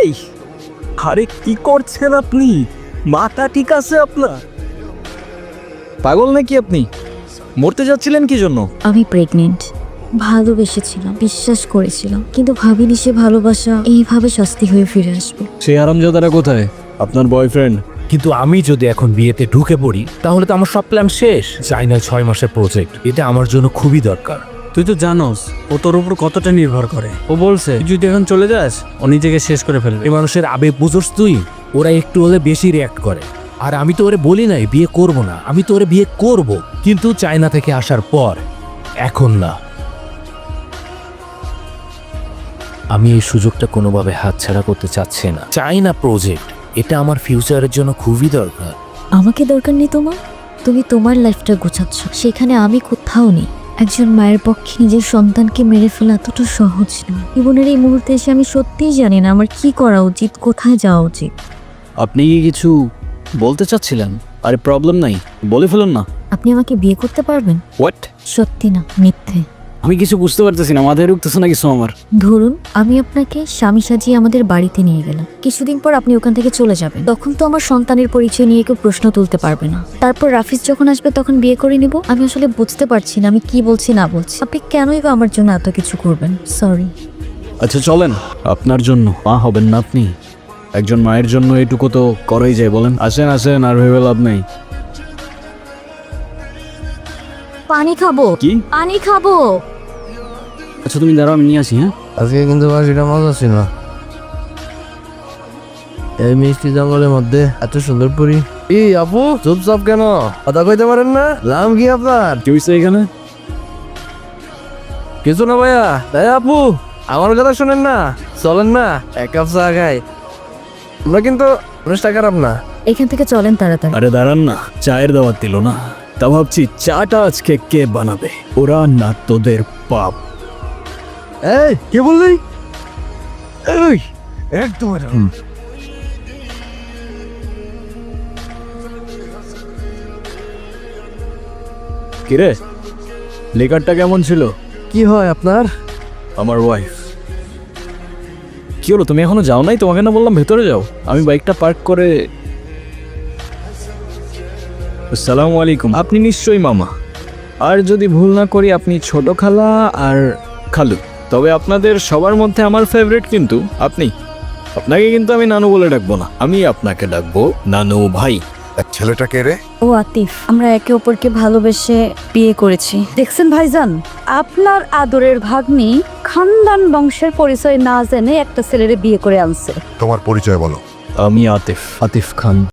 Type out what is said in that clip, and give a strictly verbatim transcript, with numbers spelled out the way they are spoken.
এই আরে কি করছেন আপনি? মাথা ঠিক আছে আপনার? পাগল নাকি আপনি? মরতে যাচ্ছিলেন কি জন্য? আমি প্রেগনেন্ট। ভালোবেসেছিলাম, বিশ্বাস করেছিলাম, কিন্তু ভাবিনি সে ভালোবাসা এইভাবে শাস্তি হয়ে ফিরে আসবে। সেই আরামজাদারা কোথায়? আপনার বয়ফ্রেন্ড? কিন্তু আমি যদি এখন বিয়েতে ঢুকে পড়ি তাহলে তো আমার সব প্ল্যান শেষ। চাই না ছয় মাসের প্রজেক্ট, এটা আমার জন্য খুবই দরকার। তুই তো জানোস ও তোর উপর কতটা নির্ভর করে। ও বলছে তুই যদি এখন চলে যাস ও নিজেকে শেষ করে ফেলবে। এই মানুষের আবেগ বুঝোস তুই? ওরা একটু হলে বেশি রিয়াক্ট করে। আর আমি তো ওরে বলি নাই বিয়ে করব না, আমি তো ওরে বিয়ে করব, কিন্তু চায়না থেকে আসার পর, এখন না। আমি এই সুযোগটা কোনোভাবে হাতছাড়া করতে চাচ্ছি না। চাইনা প্রজেক্ট, এটা আমার ফিউচারের জন্য খুবই দরকার। আমাকে দরকার নেই তোমার, তুমি তোমার লাইফটা গোছাচ্ছ, সেখানে আমি কোথাও নেই। একজন মায়ের পক্ষে নিজের সন্তানকে মেরে ফেলা এতটা সহজ নয়। জীবনের এই মুহূর্তে এসে আমি সত্যিই জানি না আমার কি করা উচিত, কোথায় যাওয়া উচিত। আপনি কি কিছু বলতে চাচ্ছিলেন? আরে প্রবলেম নাই, বলে ফেলুন না। আপনি আমাকে বিয়ে করতে পারবেন? হোয়াট? সত্যি না মিথ্যে? আমি কিছু বুঝতে পারতেছি না, মাথায় ঢুকতেছে না কিছু আমার। ধরুন আমি আপনাকে স্বামী সাজিয়ে আমাদের বাড়িতে নিয়ে গেলাম, কিছুদিন পর আপনি ওখান থেকে চলে যাবেন, তখন তো আমার সন্তানের পরিচয় নিয়ে কেউ প্রশ্ন তুলতে পারবে না। তারপর রাফিজ যখন আসবে তখন বিয়ে করে নিব। আমি আসলে বুঝতে পারছি না আমি কি বলছি না বলছি। আপনি কেনই বা আমার জন্য এত কিছু করবেন? সরি। আচ্ছা চলেন, আপনার জন্য মা হবেন না আপনি? একজন মায়ের জন্য এটুকু তো করাই যায়, বলেন? আসেন আসেন, আর ভেবে লাভ নেই। পানি খাবো। কি? পানি খাবো। আচ্ছা তুমি দাঁড়াও, আমি নিয়ে আসি। হ্যাঁ আজকে কিন্তু বাসিটা মজা ছিল। এই মিষ্টি জঙ্গলের মধ্যে এত সুন্দর পুরি। এই আপু চুপচাপ কেন, কথা কইতে পারেন না? নাম কি আপনার? কি হয়েছে এখানে? কিছু না ভাইয়া। তাই আপু আমার কথা শোনেন না, চলেন না এক কাপ চা খাই। আমরা কিন্তু মানুষটা খারাপ না। এখান থেকে চলেন তাড়াতাড়ি। আরে দাঁড়ান না, চায়ের দাওয়াত দিল না। তা ভাবছি চাটা আজকে কে বানাবে, ওরা না তোদের পাপ? এই কে বললি? এই একদম কিরে, লেকারটা কেমন ছিল? কি হয় আপনার? আমার ওয়াইফ। কি হলো, তুমি এখনো যাও নাই? তোমাকে না বললাম ভেতরে যাও। আমি বাইকটা পার্ক করে। আসসালামু আলাইকুম। আপনি নিশ্চয়ই মামা, আর যদি ভুল না করি আপনি ছোট খালা আর খালু। তবে আপনাদের সবার মধ্যে আমার ফেভারিট কিন্তু আপনি। আপনাকে কিন্তু আমি নানু বলে ডাকবো না, আমি আপনাকে ডাকবো নানু ভাই। ছেলেটা কে রে? ও আতিফ, আমরা একে অপরকে ভালোবেসে বিয়ে করেছি। দেখছেন ভাইজান, আপনার আদরের ভাগ্নি খানদান বংশের পরিচয় না জেনে একটা ছেলেরে বিয়ে করে আনছে। তোমার পরিচয় বলো। আমি আতিফ, আতিফ খান।